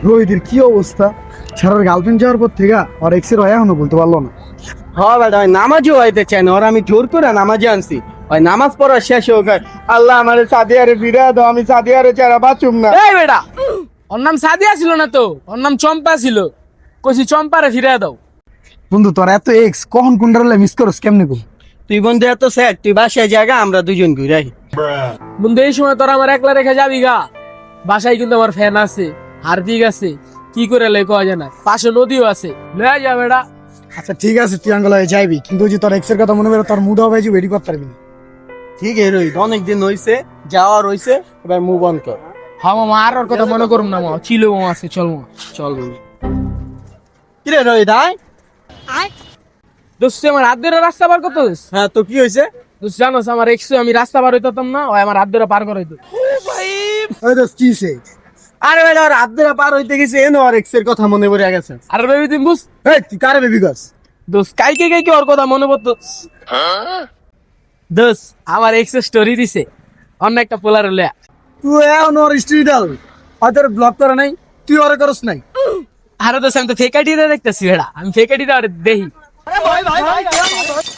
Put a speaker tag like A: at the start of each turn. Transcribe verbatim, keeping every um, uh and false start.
A: রোহিতের কি অবস্থা, ছাড়ার গার্লফ্রেন্ড যাওয়ার পর থেকে আর এক্সের হয় এখনো বলতে পারলো না।
B: হ্যাঁ বেটা, ওই নামাজও হইতে চায় না, ওর আমি জোর করে নামাজে আনছি। ওই নামাজ পড়া শেষ হোক, আল্লাহ আমার সাদিয়ারে ফিরে দাও, আমি সাদিয়ারে ছাড়া বাঁচুম না।
C: এই বেটা, ওর নাম সাদিয়া ছিল না তো, ওর নাম চম্পা ছিল। কইছি চম্পারে ফিরে দাও।
A: বন্ধু তোর এত এক্স কখন কোনটা মিস করস কেমনে কো?
B: তুই বন্ধু এত স্যার, তুই বাসায় জায়গা আমরা দুজন ঘুরে আহি।
C: বন্ধু এই সময় তোরা আমার একলা রেখে যাবি গা? বাসায় কিন্তু আমার ফ্যান আছে, হার্দিক আছে, কি করে লে কয়া যায় না, পাশে নদীও আছে, লয়ে যা বেটা।
A: আচ্ছা ঠিক আছে, তুই আঙ্গল হয়ে যাইবি, কিন্তু ওই যে তোর এক্সের কথা মনে করে তোর মুড হবে যে ওয়েডি করতে পারবি না।
B: ঠিক আছে রোহিত, অনেকদিন হইছে, যাওয়ার হইছে, এবার মুভ অন কর।
C: হ্যাঁ মামা, আর ওর কথা মনে করুম না মামা, চিলো মামা আছে, চল মামা।
B: চল বন্ধু। কিরে রোহিত আয়।
C: দোস্ত আমার হাত ধরে রাস্তা পার করতে দোস্ত।
B: হ্যাঁ তো কি হয়েছে?
C: দোস্ত জানোস আমার এক্স আমি রাস্তা পার হইতাম না, ওই আমার হাত ধরে পার করাইতো।
A: ওই দোস্ত কি সে?
B: আরে বেটা, ওর হাত ধরে পার হইতে গেছে, এনো আর এক্স এর কথা মনে পড়ে গেছে।
C: আরে বেবি তুমি বুঝ
A: এই তুই কারে বেবি গাছ?
C: দোস্ত কাইকে কাইকে ওর কথা মনে পড়তো। দোস্ত আমার এক্স স্টোরি দিছে অন্য একটা পোলার হলে।
A: তুই এখন ওর স্টোরি ডাল, হয়তো ব্লক করে নাই, তুই ওরে করস নাই।
C: আরে দোস্ত আমি তো ফেক আইডি দেখতেছি বেড়া, আমি ফেক আইডি দেখি।